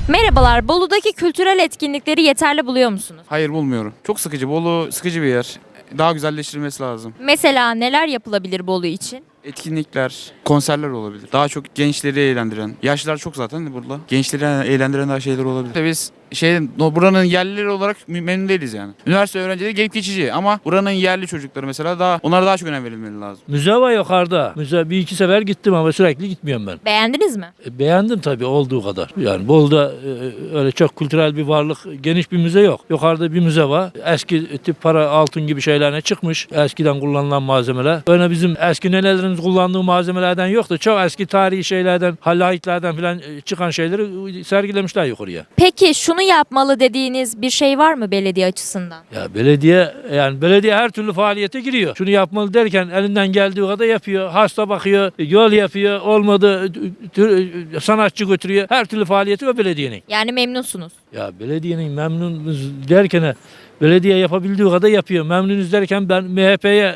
Merhabalar, Bolu'daki kültürel etkinlikleri yeterli buluyor musunuz? Hayır bulmuyorum. Çok sıkıcı. Bolu sıkıcı bir yer. Daha güzelleştirilmesi lazım. Mesela neler yapılabilir Bolu için? Etkinlikler, konserler olabilir. Daha çok gençleri eğlendiren. Yaşlılar çok zaten burada. Gençleri eğlendiren daha şeyler olabilir. İşte biz buranın yerlileri olarak memnun değiliz yani. Üniversite öğrencileri gelip geçici ama buranın yerli çocukları mesela onlara daha çok önem verilmeli lazım. Müze var yukarıda. Müze bir iki sefer gittim ama sürekli gitmiyorum ben. Beğendiniz mi? Beğendim tabii olduğu kadar. Yani Bolu'da öyle çok kültürel bir varlık, geniş bir müze yok. Yukarıda bir müze var. Eski tip para, altın gibi şeylerine çıkmış. Eskiden kullanılan malzemeler. Öyle bizim eski nelerimiz kullandığı malzemelerden yok da çok eski tarihi şeylerden, halayitlerden falan çıkan şeyleri sergilemişler yukarıya. Peki şunu yapmalı dediğiniz bir şey var mı belediye açısından? Ya belediye her türlü faaliyete giriyor. Şunu yapmalı derken elinden geldiği kadar yapıyor. Hasta bakıyor, yol yapıyor, olmadı sanatçı götürüyor. Her türlü faaliyeti o belediyenin. Yani memnunsunuz. Ya belediyenin memnunuz derken belediye yapabildiği kadar yapıyor. Memnunuz derken ben MHP'ye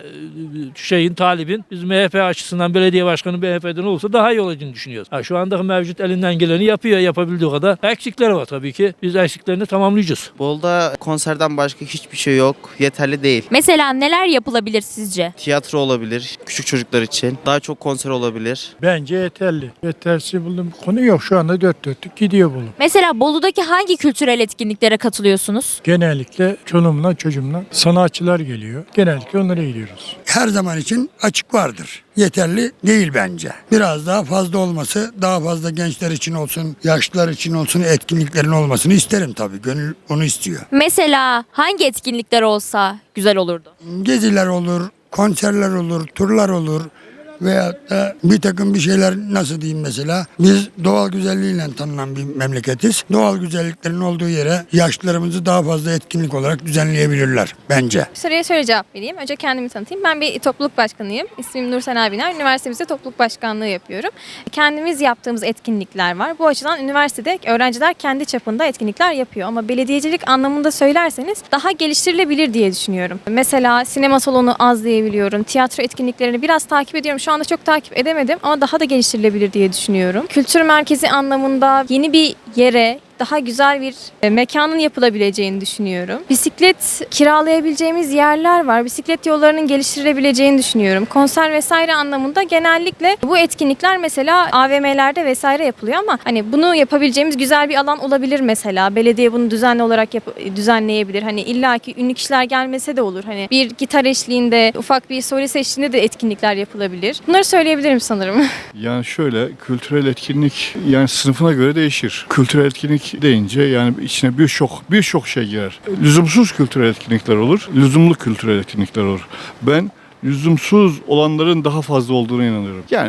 talibin. Biz MHP açısından belediye başkanı MHP'den olursa daha iyi olacağını düşünüyoruz. Şu andaki mevcut elinden geleni yapıyor, yapabildiği kadar. Eksikleri var tabii ki. Biz eksiklerini tamamlayacağız. Bolu'da konserden başka hiçbir şey yok. Yeterli değil. Mesela neler yapılabilir sizce? Tiyatro olabilir küçük çocuklar için. Daha çok konser olabilir. Bence yeterli. Yetersiz bulduğum bir konu yok. Şu anda dört dörtlük gidiyor Bolu. Mesela Bolu'daki hangi kültürel etkinliklere katılıyorsunuz? Genellikle çoluğumla çocuğumla sanatçılar geliyor. Genellikle onlara gidiyoruz. Her zaman için açık vardır. Yeterli değil bence. Biraz daha fazla olması, daha fazla gençler için olsun, yaşlılar için olsun etkinliklerin olmasını isterim tabii. Gönül onu istiyor. Mesela hangi etkinlikler olsa güzel olurdu? Geziler olur, konserler olur, turlar olur. Veyahut da bir takım bir şeyler nasıl diyeyim mesela. Biz doğal güzelliğiyle tanınan bir memleketiz. Doğal güzelliklerin olduğu yere yaşlılarımızı daha fazla etkinlik olarak düzenleyebilirler bence. Soruya şöyle cevap vereyim. Önce kendimi tanıtayım. Ben bir topluluk başkanıyım. İsmim Nursel Abiner. Üniversitemizde topluluk başkanlığı yapıyorum. Kendimiz yaptığımız etkinlikler var. Bu açıdan üniversitede öğrenciler kendi çapında etkinlikler yapıyor. Ama belediyecilik anlamında söylerseniz daha geliştirilebilir diye düşünüyorum. Mesela sinema salonu az diyebiliyorum. Tiyatro etkinliklerini biraz takip ediyorum. Şu anda çok takip edemedim ama daha da geliştirilebilir diye düşünüyorum. Kültür merkezi anlamında yeni bir yere, daha güzel bir mekanın yapılabileceğini düşünüyorum. Bisiklet kiralayabileceğimiz yerler var. Bisiklet yollarının geliştirilebileceğini düşünüyorum. Konser vesaire anlamında genellikle bu etkinlikler mesela AVM'lerde vesaire yapılıyor ama hani bunu yapabileceğimiz güzel bir alan olabilir mesela. Belediye bunu düzenli olarak düzenleyebilir. Hani illaki ünlü kişiler gelmese de olur. Hani bir gitar eşliğinde, ufak bir solist eşliğinde de etkinlikler yapılabilir. Bunları söyleyebilirim sanırım. Yani şöyle kültürel etkinlik yani sınıfına göre değişir. Kültürel etkinlik deyince yani içine birçok şey girer. Lüzumsuz kültürel etkinlikler olur, lüzumlu kültürel etkinlikler olur. Ben lüzumsuz olanların daha fazla olduğuna inanıyorum. Yani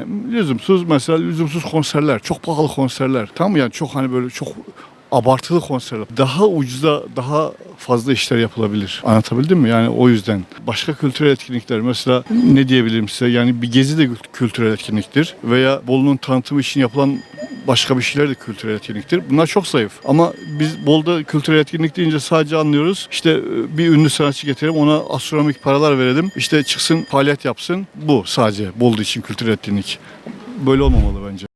lüzumsuz konserler, çok pahalı konserler. Tamam mı? Yani çok hani böyle çok abartılı konserler. Daha ucuza daha fazla işler yapılabilir. Anlatabildim mi? Yani o yüzden. Başka kültürel etkinlikler mesela ne diyebilirim size? Yani bir gezi de kültürel etkinliktir. Veya Bolu'nun tanıtımı için yapılan başka bir şeyler de kültürel etkinliktir. Bunlar çok zayıf. Ama biz Bolu'da kültürel etkinlik deyince sadece anlıyoruz. İşte bir ünlü sanatçı getirelim, ona astronomik paralar verelim. İşte çıksın, faaliyet yapsın. Bu sadece Bolu için kültürel etkinlik. Böyle olmamalı bence.